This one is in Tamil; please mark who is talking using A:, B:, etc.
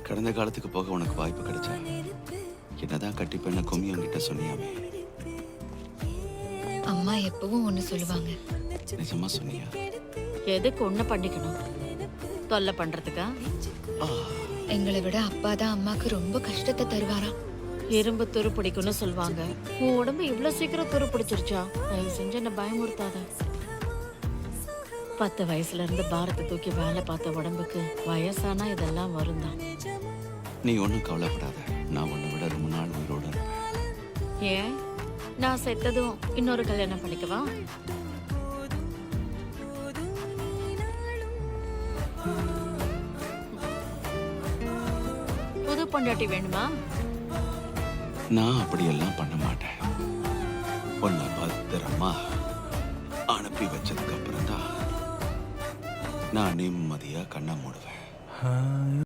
A: கடந்த காலத்துக்கு போக உனக்கு வாய்ப்பு கிடைச்சா என்னதான் கட்டிப்பெண்ண கும்மியங்கிட்ட சொன்னியாமே,
B: அம்மா எப்பவும் ஒண்ணு சொல்லுவாங்க.
A: நிஜமா சொன்னியா?
C: எதுக்கு ஒண்ணு பண்ணிக்கணும்? தொல்லை பண்றதுக்கா?
B: எங்களை விட அப்பா தான் அம்மாக்கு ரொம்ப கஷ்டத்தை தருவாராம்.
C: இரும்பு துரு பிடிக்கும்னு சொல்லுவாங்க. உன் உடம்பு இவ்வளவு சீக்கிரம் துரு பிடிச்சிருச்சா? தயவு செஞ்சு என்ன பயமுறுத்தாத. 10 வயசுல இருந்து பாரத்தை தூக்கி வேலை பார்த்த உடம்புக்கு வயசானா இதெல்லாம் வரும் தான்.
A: நீ ஒன்றும் கவலைப்படாத, நான் உன்னை விட ரொம்ப நாள் உயிரோடு இருப்பேன்.
C: ஏன் நான் செத்ததும் இன்னொரு கல்யாணம் பண்ணிக்கவா? புது பொண்டாட்டி வேணுமா?
A: நான் அப்படியெல்லாம் பண்ண மாட்டேன். உன்னை பத்திரமா அனுப்பி வச்சதுக்கு அப்புறம் தான் நான் நிம்மதியா கண்ணை மூடுவேன்.